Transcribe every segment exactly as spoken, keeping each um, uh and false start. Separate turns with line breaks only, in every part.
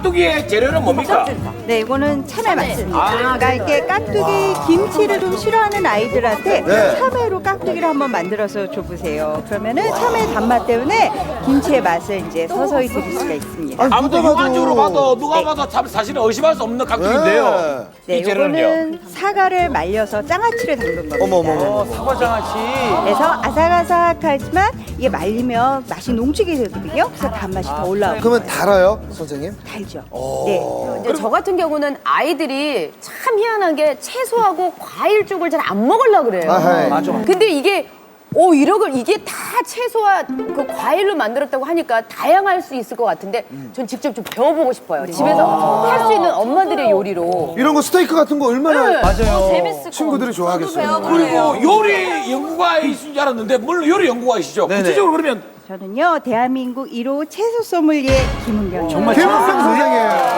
깍두기의 재료는 뭡니까?
네, 이거는 참외 맞습니다.
아,
그러니까 이렇게 깍두기 김치를 좀 싫어하는 아이들한테
네.
참외로 깍두기를 한번 만들어서 줘보세요. 그러면은 참외 단맛 때문에 김치의 맛을 이제 서서히 드실 수가 있습니다.
아니,
아무튼
누가 봐도-
육안적으로 봐도 누가
네.
봐도 참 사실은 의심할 수 없는 깍두기인데요.
네,
이 재료는요?
이거는 사과를 말려서 장아찌를 담근 겁니다.
어머, 어머, 어머.
사과장아찌.
그래서 아삭아삭하지만 이게 말리면 맛이 농축이 되거든요. 그래서 단맛이 더 올라오고
그러면 달아요, 선생님?
달죠. 네.
이제 저 같은 경우는 아이들이 참 희한하게 채소하고 과일 쪽을 잘 안 먹으려고 그래요.
아하이.
맞아.
근데 이게 오 이러걸 이게 다 채소와 그 과일로 만들었다고 하니까 다양할 수 있을 것 같은데 전 직접 좀 배워보고 싶어요. 집에서 할 수 있는 엄마들의 요리로.
이런 거 스테이크 같은 거 얼마나
맞아요.
재밌을
친구들이 좋아하겠어요.
그리고 요리 연구가이신 줄 알았는데 물론 요리 연구가이시죠. 구체적으로 그러면
저는요, 대한민국 일 호 채소 소믈리에 김은경이에요.
김은경 선생님.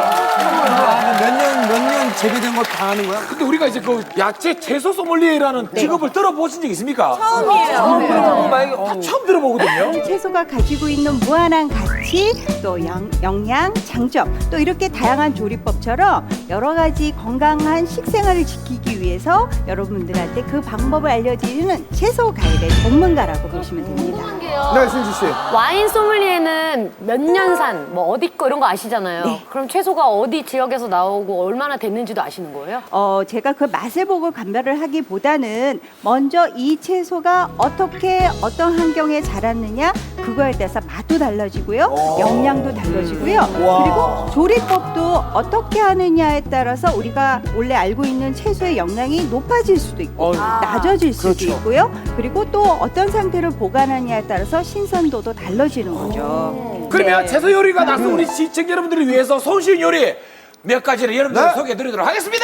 몇 년, 몇 년 재배된 거 다 하는 거야?
근데 우리가 이제 그 야채 채소 소믈리에라는 직업을 들어보신 적 있습니까?
처음이에요.
아, 처음 들어보거든요.
채소가 가지고 있는 무한한 가치, 또 영, 영양, 장점, 또 이렇게 다양한 조리법처럼 여러 가지 건강한 식생활을 지키기 위해서 여러분들한테 그 방법을 알려드리는 채소 가일의 전문가라고 보시면 됩니다.
네, 신지 씨.
와인 소믈리에는 몇 년산, 뭐 어디 거 이런 거 아시잖아요. 그럼 채소가 어디 지역에서 나오고 얼마나 됐는지도 아시는 거예요?
어, 제가 그 맛을 보고 감별을 하기보다는 먼저 이 채소가 어떻게 어떤 환경에 자랐느냐 그거에 따라서 맛도 달라지고요, 영양도 달라지고요, 그리고 조리법도 어떻게 하느냐에 따라서 우리가 원래 알고 있는 채소의 영양이 높아질 수도 있고 낮아질 수도 있고요, 그리고 또 어떤 상태로 보관하느냐에 따라서 신선도도 달라지는 거죠.
그러면
네.
채소 요리가 나서 우리 시청자 여러분들을 위해서 손쉬운 요리 몇 가지를 여러분들
네.
소개해드리도록 하겠습니다.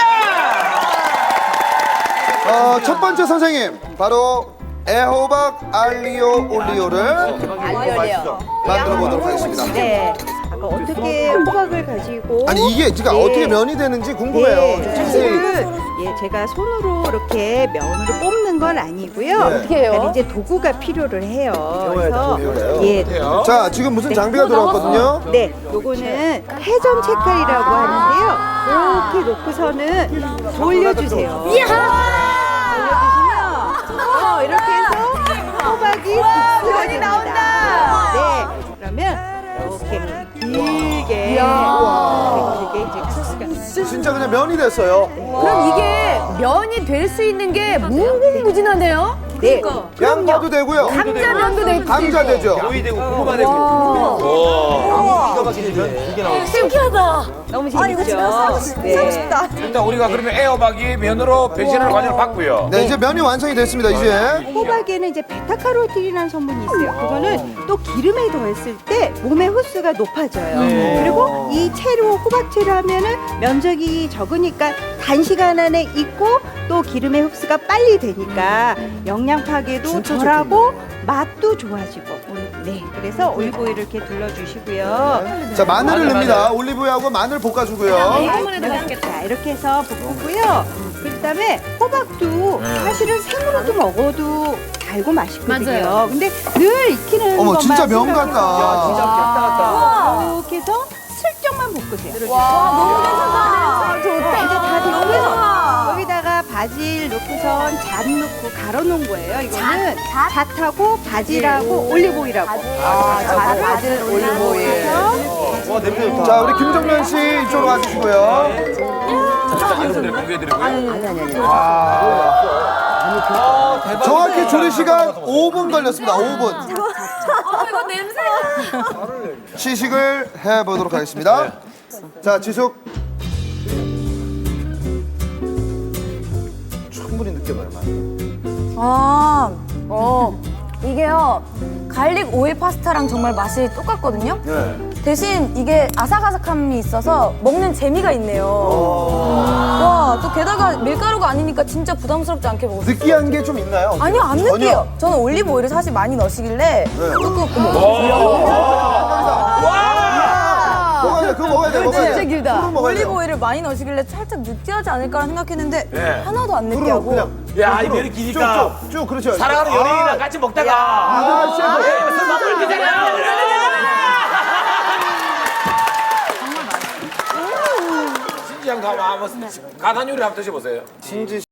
어, 첫 번째 선생님, 바로 애호박 알리오 올리오를
알려요.
만들어 보도록 하겠습니다.
네. 아까 어떻게 호박을 가지고
아니, 이게 지금
네.
어떻게 면이 되는지 궁금해요.
네,
좀 자세히.
사실은 예, 제가 손으로 이렇게 면으로 뽑는 건 아니고요.
네.
어떻게 해요?
그러니까 이제 도구가 필요를 해요. 그래서
배워요.
예,
자, 지금 무슨 장비가 들어왔거든요.
네, 요거는 회전 채칼이라고 하는데요. 이렇게 놓고서는 돌려주세요. 돌려주시면 어, 이렇게 해서 호박이 국수가 됩니다. 네, 그러면 이렇게 길게 길게 이제 국수가
진짜 그냥 면이 됐어요.
그럼 이게 면이 될 수 있는 게 무궁무진하네요.
네,
양파도 되고요.
감자면도 될 수 있고.
감자 되죠.
신기하다.
너무 재밌죠. 네.
일단 우리가 그러면 애호박이 면으로 변신하는 과정을 봤고요.
네, 이제 면이 완성이 됐습니다, 이제.
호박에는 이제 베타카로틴이라는 성분이 있어요. 그거는 또 기름에 더했을 때 몸의 흡수가 높아져요. 그리고 이 채로 호박채로 하면은 면적이 적으니까 단시간 안에 익고 또 기름의 흡수가 빨리 되니까 영양 파괴도 덜하고 맛도 좋아지고. 네, 그래서 올리브오일을 이렇게 둘러주시고요.
자, 마늘을 넣습니다. 올리브유하고 마늘 볶아주고요.
자, 이렇게 해서 볶고요. 그다음에 호박도 사실은 생으로도 먹어도 달고 맛있거든요.
맞아요.
근데 늘 익히는
어머,
것만
진짜 면
생각해서
같다.
진짜 겠다 같다.
이렇게 해서 슬쩍만 볶으세요.
와,
자, 이제 다 됐고요. 여기다가 바질 넣고선 잣 넣고 갈아놓은 거예요. 이거는 잣하고 바질하고 올리브오일하고.
아, 자, 바질 올리브오일.
자, 우리 김정면 씨 이쪽으로 와주시고요.
여러분들 공개해드리고요.
정확히 조리 시간 오 분 걸렸습니다. 오 분.
어, 이거 냄새.
시식을 해보도록 하겠습니다. 자, 지숙. 충분히 느껴봐요, 맛.
아, 어, 이게요, 갈릭 오일 파스타랑 정말 맛이 똑같거든요?
네.
대신 이게 아삭아삭함이 있어서 먹는 재미가 있네요. 와, 또 게다가 밀가루가 아니니까 진짜 부담스럽지 않게 먹을 수 있어요.
느끼한 게 좀 있나요?
아니요, 안
전혀.
느끼해요. 저는 올리브 오일을 사실 많이 넣으시길래 조금,
먹어야 돼, 그거 먹어야 돼, 먹어야 돼.
진짜 길다.
술은 먹어야
올리브
돼요.
오일을 많이 넣으시길래 살짝 느끼하지 않을까라 생각했는데
네.
하나도 안
술은
느끼하고.
그냥
야, 이 면이 기니까
쭉, 쭉, 쭉, 그렇죠.
사랑하는 연예인이랑 같이 먹다가
아, 셰프.
술 먹을 때잖아요. 시장도 한번 한번 가단 요리 한번 드셔보세요.
신지